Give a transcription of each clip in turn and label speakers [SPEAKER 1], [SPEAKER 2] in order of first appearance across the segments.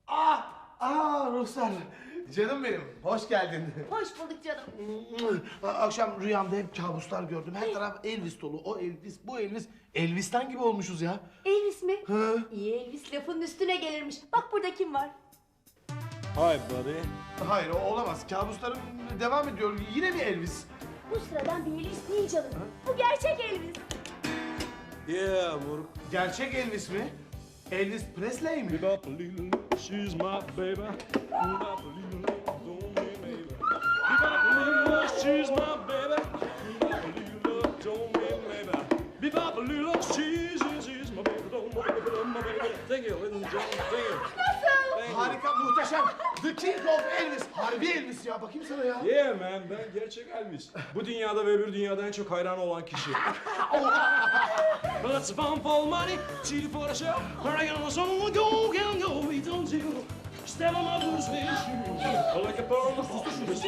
[SPEAKER 1] Ruhsar. Canım benim, hoş geldin.
[SPEAKER 2] Hoş bulduk canım.
[SPEAKER 1] Akşam rüyamda hep kabuslar gördüm. Her taraf Elvis dolu. O Elvis, bu Elvis. Elvis'ten gibi olmuşuz ya.
[SPEAKER 2] Elvis mi?
[SPEAKER 1] Hı.
[SPEAKER 2] İyi Elvis lafının üstüne gelirmiş. Bak burada kim var?
[SPEAKER 3] Hi buddy.
[SPEAKER 1] Hayır, o olamaz. Kabuslarım devam ediyor. Yine mi Elvis?
[SPEAKER 2] Bu sıradan bir Elvis değil canım. Bu gerçek Elvis.
[SPEAKER 3] Yeah, moruk.
[SPEAKER 1] Gerçek Elvis mi? Elvis Presley mi?
[SPEAKER 3] Bebop a little, she's my baby. Bebop a little, don't be baby. Bebop a little, she's my baby. Bebop a little, don't be baby. Bebop a little, she's my baby, don't be baby, don't be baby. Thank you, ladies and gentlemen, thank you. Thank you.
[SPEAKER 1] Harika, muhteşem. The King of Elvis. Harbi Elvis ya. Bakayım sana ya.
[SPEAKER 3] Yeah man, ben gerçek Elvis. Bu dünyada ve öbür dünyada en çok hayran olan kişi. But it's fun for money, cheating for the show. I got someone go, can go, we don't do. Step on my boots, man, shoes. Like a pearl of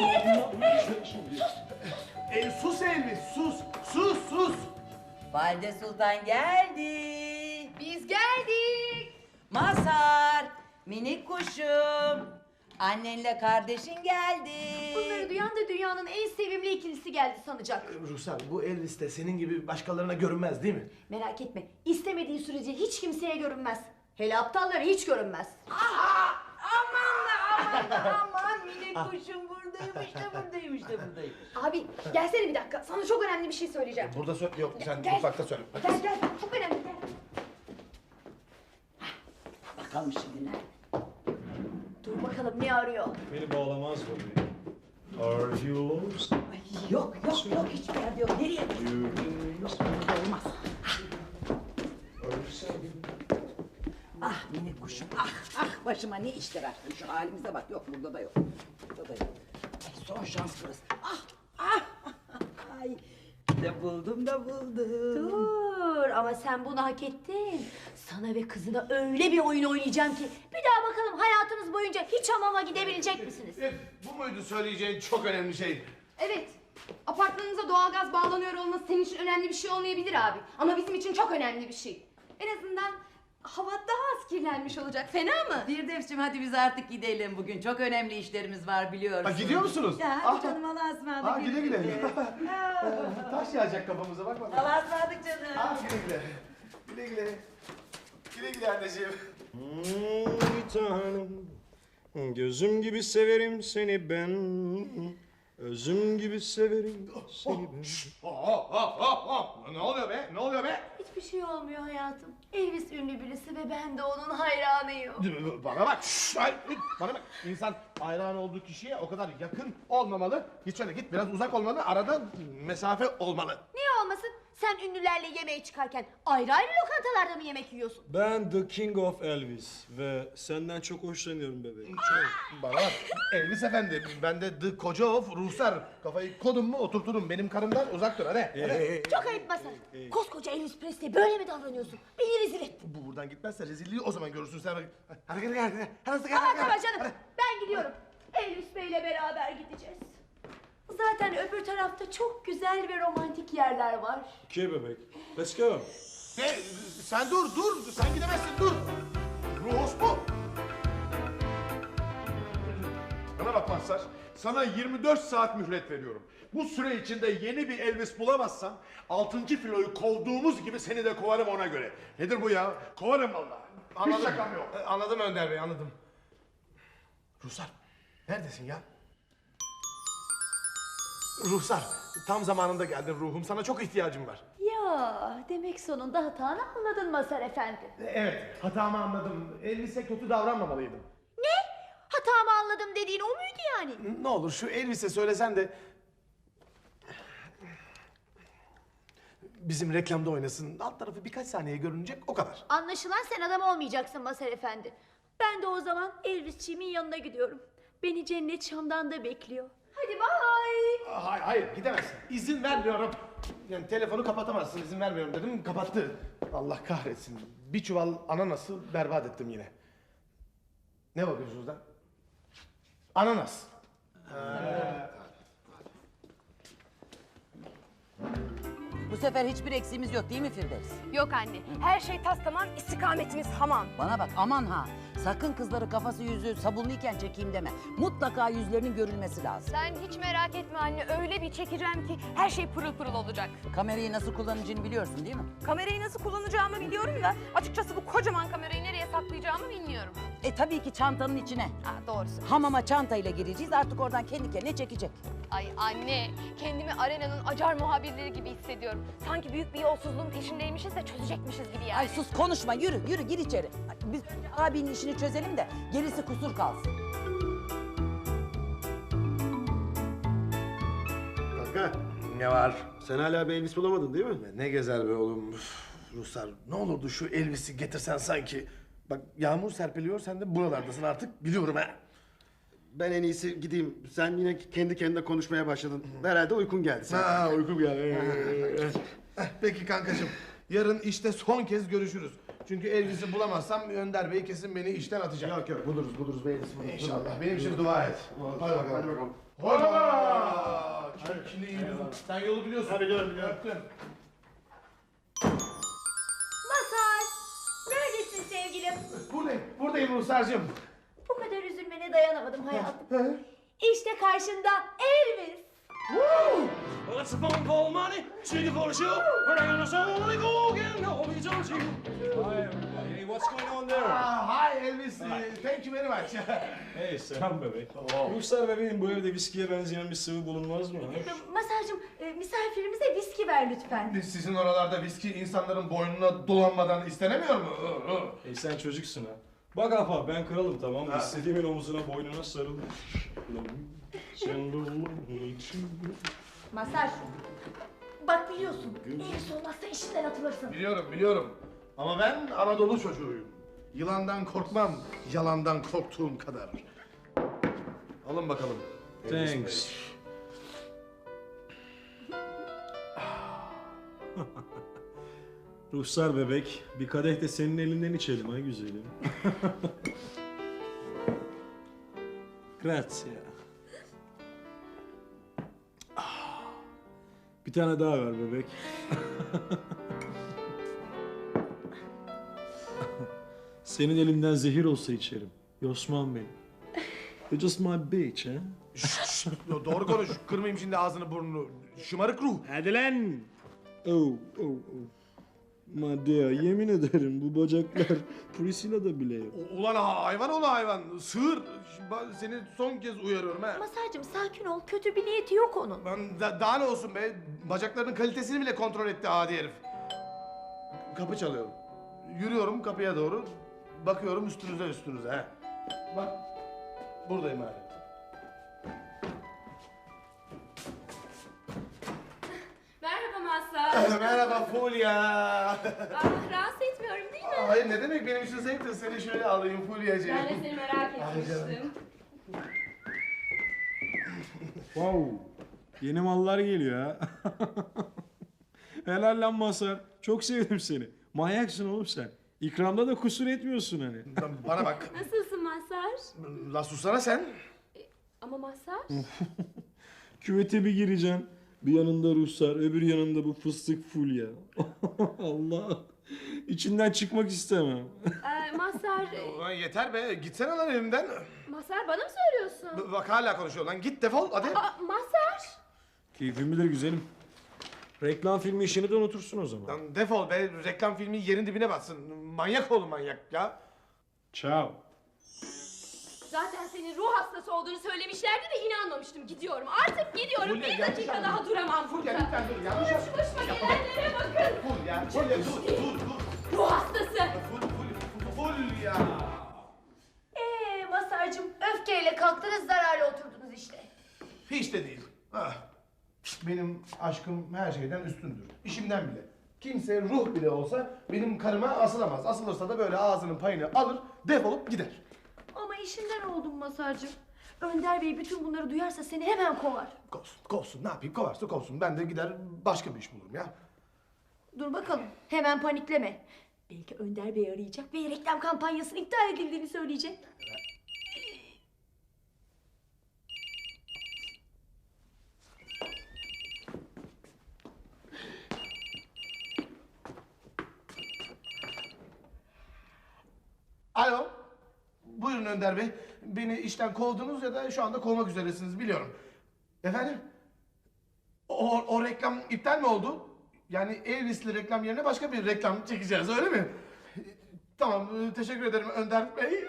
[SPEAKER 1] Sus Elvis, sus. Sus, sus.
[SPEAKER 4] Valide Sultan geldi.
[SPEAKER 2] Biz geldik.
[SPEAKER 4] Mazhar, minik kuşum. Annenle kardeşin geldi.
[SPEAKER 2] Bunları duyan da dünyanın en sevimli ikilisi geldi sanacak.
[SPEAKER 1] Ruhsar, bu Elvis de senin gibi başkalarına görünmez değil mi?
[SPEAKER 2] Merak etme. İstemediği sürece hiç kimseye görünmez. Hele aptallara hiç görünmez.
[SPEAKER 4] Aman minik kuşum buradaymış da buradaymış da buradaymış.
[SPEAKER 2] Abi gelsene bir dakika. Sana çok önemli bir şey söyleyeceğim.
[SPEAKER 1] Burada söyle, yok sen
[SPEAKER 2] Gel.
[SPEAKER 1] mutfakta söyle.
[SPEAKER 2] Gel gel. Çok önemli. Gel.
[SPEAKER 4] Bakalım şimdi nerede?
[SPEAKER 2] Dur bakalım ne arıyor.
[SPEAKER 3] Beni bağlamaz bu. Are you lost?
[SPEAKER 4] Ay, yok hiçbir yerde yok. Nereye? Olmaz. Ah minik kuşum ah başıma ne işler açtın şu halimize bak yok burada da yok. Burada da yok. Ay, son şans burası. Ay buldum.
[SPEAKER 2] Dur ama sen bunu hak ettin. Sana ve kızına öyle bir oyun oynayacağım ki bir daha bakalım hayatınız boyunca hiç hamama gidebilecek misiniz?
[SPEAKER 1] Bu muydu söyleyeceğin çok önemli şey?
[SPEAKER 5] Evet. Apartmanınıza doğalgaz bağlanıyor olması senin için önemli bir şey olmayabilir abi. Ama bizim için çok önemli bir şey. En azından hava daha az kirlenmiş olacak. Fena mı?
[SPEAKER 4] Firdevs'cim hadi biz artık gidelim bugün. Çok önemli işlerimiz var biliyorsun.
[SPEAKER 1] Gidiyor musunuz?
[SPEAKER 4] Ya hadi canım Allah'a ısmarladık.
[SPEAKER 1] Güle güle. Taş yağacak kafamıza bak bakalım.
[SPEAKER 4] Allah'a ısmarladık canım.
[SPEAKER 1] Güle güle. Güle güle. Güle güle anneciğim.
[SPEAKER 3] Bir tanem. Gözüm gibi severim seni ben. Özüm gibi severim seni ben.
[SPEAKER 1] Ne oluyor be? Ne oluyor be?
[SPEAKER 2] Hiçbir şey olmuyor hayatım. Elvis ünlü birisi ve ben de onun hayranıyım.
[SPEAKER 1] Bana bak. Bana bak. İnsan hayran olduğu kişiye o kadar yakın olmamalı. Git şöyle git. Biraz uzak olmalı. Arada mesafe olmalı.
[SPEAKER 2] Niye olmasın? Sen ünlülerle yemeğe çıkarken ayrı ayrı lokantalarda mı yemek yiyorsun?
[SPEAKER 3] Ben The King of Elvis ve senden çok hoşlanıyorum bebeğim.
[SPEAKER 1] Bana bak. Elvis efendi. Ben de The Koca of Ruhsar. Kafayı kodum mu oturturum. Benim karımdan uzak dur. Hadi.
[SPEAKER 2] Çok ayıp Mazhar. Koskoca Elvis Presley böyle mi davranıyorsun? Beni rezil et.
[SPEAKER 1] Bu buradan gitmezse rezilliği o zaman görürsün sen. Hadi gel.
[SPEAKER 2] Tamam canım. Ben gidiyorum. Elvis Bey'le beraber gideceğiz. Zaten öbür tarafta çok güzel ve romantik yerler var.
[SPEAKER 3] Okay bebek. Let's go.
[SPEAKER 1] Sen dur. Sen gidemezsin dur. Ruhos bu.
[SPEAKER 6] Bana bak Mazhar, sana 24 saat mühlet veriyorum. Bu süre içinde yeni bir Elvis bulamazsan 6. filoyu kovduğumuz gibi seni de kovarım ona göre. Nedir bu ya? Kovarım vallahi. Hiç şakam yok.
[SPEAKER 1] Anladım Önder Bey, anladım. Ruhsar, neredesin ya? Ruhsar, tam zamanında geldin ruhum. Sana çok ihtiyacım var.
[SPEAKER 2] Ya demek sonunda hatanı anladın Mazhar Efendi.
[SPEAKER 1] Evet, hatamı anladım. Elvis'e kötü davranmamalıydım.
[SPEAKER 2] Ne? Hatamı anladım dediğin o muydu yani?
[SPEAKER 1] Ne olur şu Elvis'e söylesen de... bizim reklamda oynasın. Alt tarafı birkaç saniye görünecek, o kadar.
[SPEAKER 2] Anlaşılan sen adam olmayacaksın Mazhar Efendi. Ben de o zaman Elvisçiğimin yanına gidiyorum. Beni cennet Şam'dan da bekliyor. Hadi bay.
[SPEAKER 1] Hayır, gidemezsin. İzin vermiyorum. Yani telefonu kapatamazsın, izin vermiyorum dedim, kapattı. Allah kahretsin. Bir çuval ananası berbat ettim yine. Ne bakıyorsunuz lan? Ananas.
[SPEAKER 4] Bu sefer hiçbir eksiğimiz yok değil mi Firdevs?
[SPEAKER 5] Yok anne, her şey tas tamam, istikametimiz hamam.
[SPEAKER 4] Bana bak aman ha. Sakın kızları kafası yüzü sabunluyken çekeyim deme. Mutlaka yüzlerinin görülmesi lazım.
[SPEAKER 5] Sen hiç merak etme anne, öyle bir çekeceğim ki her şey pırıl pırıl olacak.
[SPEAKER 4] Kamerayı nasıl kullanacağını biliyorsun değil mi?
[SPEAKER 5] Kamerayı nasıl kullanacağımı biliyorum da açıkçası bu kocaman kamerayı nereye saklayacağımı bilmiyorum.
[SPEAKER 4] Tabii ki çantanın içine.
[SPEAKER 5] Ha, doğrusu.
[SPEAKER 4] Hamama çantayla gireceğiz artık oradan kendi kendine çekecek.
[SPEAKER 5] Ay anne, kendimi arenanın acar muhabirleri gibi hissediyorum. Sanki büyük bir yolsuzluğun peşindeymişiz de çözecekmişiz gibi yani.
[SPEAKER 4] Ay sus konuşma yürü gir içeri. Biz abinin işini çözelim de gerisi kusur kalsın.
[SPEAKER 7] Kanka,
[SPEAKER 1] Ne var?
[SPEAKER 7] sen hala bir Elvis bulamadın değil mi?
[SPEAKER 1] Ne gezer be oğlum. Üf, Ruslar, ne olurdu şu Elvis'i getirsen sanki. Bak yağmur serpiliyor, sen de buralardasın artık biliyorum ha.
[SPEAKER 7] Ben en iyisi gideyim. Sen yine kendi kendine konuşmaya başladın. Herhalde uykun geldi sen.
[SPEAKER 1] Ha uykum geldi. Peki kankacığım. Yarın işte son kez görüşürüz. Çünkü Elvis'i bulamazsam Önder Bey kesin beni işten atacak.
[SPEAKER 7] Yok buluruz be Elvis buluruz.
[SPEAKER 1] İnşallah. Benim için dua et. Hadi bakalım.
[SPEAKER 7] Hadi bakalım.
[SPEAKER 1] Hola! Şimdi iyi yüzüm. Sen yolu biliyorsun.
[SPEAKER 7] Ha, biliyorum.
[SPEAKER 1] Öptüm.
[SPEAKER 2] Masar, neredesin sevgilim?
[SPEAKER 1] Buradayım Ruhsar'cığım.
[SPEAKER 2] Bu kadar üzülmene dayanamadım hayatım. İşte karşında Elvis.
[SPEAKER 3] Let's phone for money, sing for the show, bring on a song, let go again, no, we don't you. Hi everybody, hey, what's going on there?
[SPEAKER 1] Hi Elvis. Thank you very much.
[SPEAKER 3] Hey, selam bebek. Ruhsar bebeğim, bu evde viskiye benzeyen bir sıvı bulunmaz mı?
[SPEAKER 2] Masarcığım, misafirimize viski ver lütfen.
[SPEAKER 1] Sizin oralarda viski insanların boynuna dolanmadan istenemiyor mu?
[SPEAKER 3] Hey, sen çocuksun ha. Bak apa, ben kralım tamam mı? İstediğimin omuzuna, boynuna sarıl. Sen
[SPEAKER 2] Masar, bak biliyorsun, Elvis olmazsa işinden atılırsın.
[SPEAKER 1] Biliyorum. Ama ben Anadolu çocuğuyum. Yılandan korkmam, yalandan korktuğum kadar. Alın bakalım. Elvis
[SPEAKER 3] Thanks.
[SPEAKER 1] Bey.
[SPEAKER 3] Ruhsar bebek, bir kadeh de senin elinden içelim ha güzelim. Grazie. Bir tane daha ver bebek. Senin elinden zehir olsa içerim. Yosman benim. You're just my bitch, ha?
[SPEAKER 1] Doğru konuş, kırmayayım şimdi ağzını burnunu. Şımarık ruh.
[SPEAKER 3] Hadi lan! Oh. Madea, yemin ederim bu bacaklar Priscilla'da bile yok.
[SPEAKER 1] Ulan hayvan oğlu hayvan, sığır. Seni son kez uyarıyorum ha.
[SPEAKER 2] Masarcığım sakin ol, kötü bir niyeti yok onun.
[SPEAKER 1] Daha ne olsun be, bacaklarının kalitesini bile kontrol etti adi herif. Kapı çalıyorum. Yürüyorum kapıya doğru, bakıyorum üstünüze ha. Bak, buradayım hala.
[SPEAKER 5] Merhaba Mazhar.
[SPEAKER 1] Merhaba Fulya.
[SPEAKER 5] Rahatsız etmiyorum değil mi?
[SPEAKER 1] Hayır ne demek benim için zevktir, seni şöyle alayım Fulya'cığım.
[SPEAKER 5] Ben de seni merak etmiştim.
[SPEAKER 3] Wow, yeni mallar geliyor ha. Helal lan Mazhar, çok sevdim seni. Manyaksın oğlum sen. İkramda da kusur etmiyorsun hani.
[SPEAKER 1] Bana bak,
[SPEAKER 5] Nasılsın Mazhar?
[SPEAKER 1] la susana sen.
[SPEAKER 5] Ama Mazhar?
[SPEAKER 3] Küvete bir gireceksin. Bir yanında Ruhsar, öbür yanında bu fıstık Fulya. Allah, içinden çıkmak istemem.
[SPEAKER 5] Mazhar,
[SPEAKER 1] Ulan yeter be, gitsene lan elimden.
[SPEAKER 5] Mazhar bana mı söylüyorsun?
[SPEAKER 1] Bak hala konuşuyor lan, git defol hadi.
[SPEAKER 5] Mazhar!
[SPEAKER 3] Keyfim bilir güzelim. Reklam filmi işini de unutursun o zaman.
[SPEAKER 1] Lan defol be, reklam filmi yerin dibine batsın. Manyak oğlum manyak ya.
[SPEAKER 3] Ciao.
[SPEAKER 5] Zaten senin ruh hastası olduğunu söylemişlerdi de inanmamıştım. Gidiyorum. Artık gidiyorum.
[SPEAKER 1] Fulya,
[SPEAKER 5] Bir
[SPEAKER 1] yanlış
[SPEAKER 5] dakika
[SPEAKER 1] anladın.
[SPEAKER 5] daha duramam
[SPEAKER 1] Fulya
[SPEAKER 5] burada.
[SPEAKER 1] lütfen dur, yanlış
[SPEAKER 5] Şu
[SPEAKER 1] yapma.
[SPEAKER 5] başıma gelenlere bakın.
[SPEAKER 1] Fulya dur.
[SPEAKER 5] Ruh hastası.
[SPEAKER 1] Fulya.
[SPEAKER 2] Masarcığım, öfkeyle kalktınız, zararla oturdunuz işte.
[SPEAKER 1] Hiç de değil. Ah. Benim aşkım her şeyden üstündür. İşimden bile. Kimse ruh bile olsa benim karıma asılamaz. Asılırsa da böyle ağzının payını alır, defolup gider.
[SPEAKER 2] Ama işinden oldum Masarcığım. Önder Bey bütün bunları duyarsa seni hemen kovar.
[SPEAKER 1] Kovsun. Ne yapayım? Kovarsa kovsun. Ben de gider başka bir iş bulurum ya.
[SPEAKER 2] Dur bakalım, hemen panikleme. Belki Önder Bey arayacak ve reklam kampanyasının iptal edildiğini söyleyecek.
[SPEAKER 1] Buyurun Önder Bey. Beni işten kovdunuz ya da şu anda kovmak üzeresiniz biliyorum. Efendim? O reklam iptal mi oldu? Yani Elvis'li reklam yerine başka bir reklam çekeceğiz öyle mi? Tamam teşekkür ederim Önder Bey.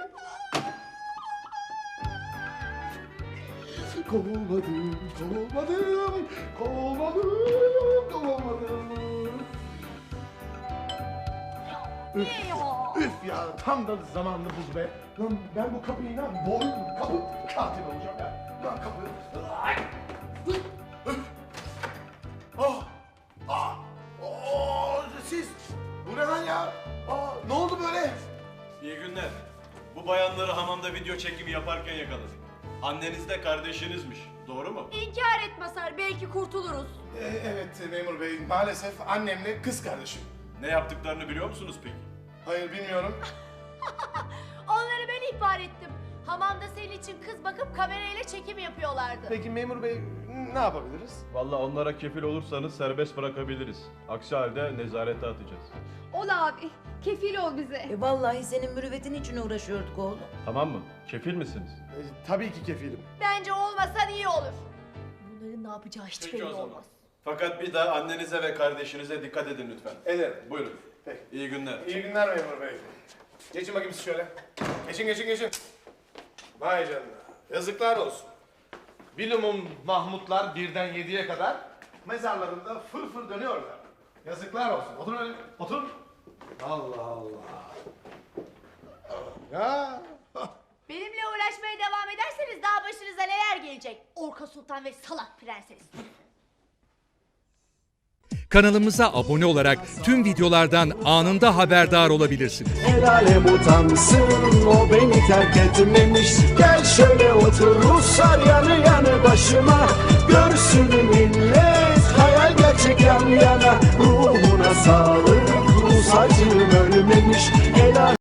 [SPEAKER 1] Kovulmadım, kovulmadım, kovulmadım, kovulmadım. Üf ya tam da zamanını buldu be. Lan ben bu kapıyı inan kapı katil olacağım ya. Lan kapı. Ay! Üf! Oh! Ah! Oh! Siz! Bu ne lan ya? Aa, ne oldu böyle?
[SPEAKER 8] İyi günler. Bu bayanları hamamda video çekimi yaparken yakaladık. Anneniz de kardeşinizmiş. Doğru mu?
[SPEAKER 2] İnkar et Masar, belki kurtuluruz.
[SPEAKER 1] Evet memur bey maalesef annemle kız kardeşim.
[SPEAKER 8] Ne yaptıklarını biliyor musunuz peki?
[SPEAKER 1] Hayır bilmiyorum.
[SPEAKER 2] Onları ben ihbar ettim. Hamamda senin için kız bakıp kamerayla çekim yapıyorlardı.
[SPEAKER 1] Peki memur bey ne yapabiliriz?
[SPEAKER 8] Vallahi onlara kefil olursanız serbest bırakabiliriz. Aksi halde nezarete atacağız.
[SPEAKER 5] Ol abi. Kefil ol bize.
[SPEAKER 4] Vallahi senin mürüvvetin için uğraşıyorduk oğlum.
[SPEAKER 8] Tamam mı? Kefil misiniz?
[SPEAKER 1] Tabii ki kefilim.
[SPEAKER 2] Bence olmasan iyi olur. Bunların ne yapacağı hiç belli olmaz.
[SPEAKER 8] Fakat bir daha annenize ve kardeşinize dikkat edin lütfen.
[SPEAKER 1] Ederim.
[SPEAKER 8] Buyurun.
[SPEAKER 1] Peki.
[SPEAKER 8] İyi günler.
[SPEAKER 1] İyi günler memur bey. Geçin bakayım siz şöyle. Geçin. Vay canına. Yazıklar olsun. Bilumum Mahmutlar 1'den 7'ye kadar mezarlarında fır dönüyorlar. Yazıklar olsun. Oturun öyle. Oturun. Allah Allah. Ya.
[SPEAKER 2] Benimle uğraşmaya devam ederseniz daha başınıza neler gelecek? Orka Sultan ve Salak Prenses.
[SPEAKER 9] Kanalımıza abone olarak tüm videolardan anında haberdar olabilirsiniz.
[SPEAKER 10] El alem utansın, o beni terk etmemiş. Gel şöyle otur Ruslar yanı yanı başıma. Görsün millet hayal gerçek yan yana.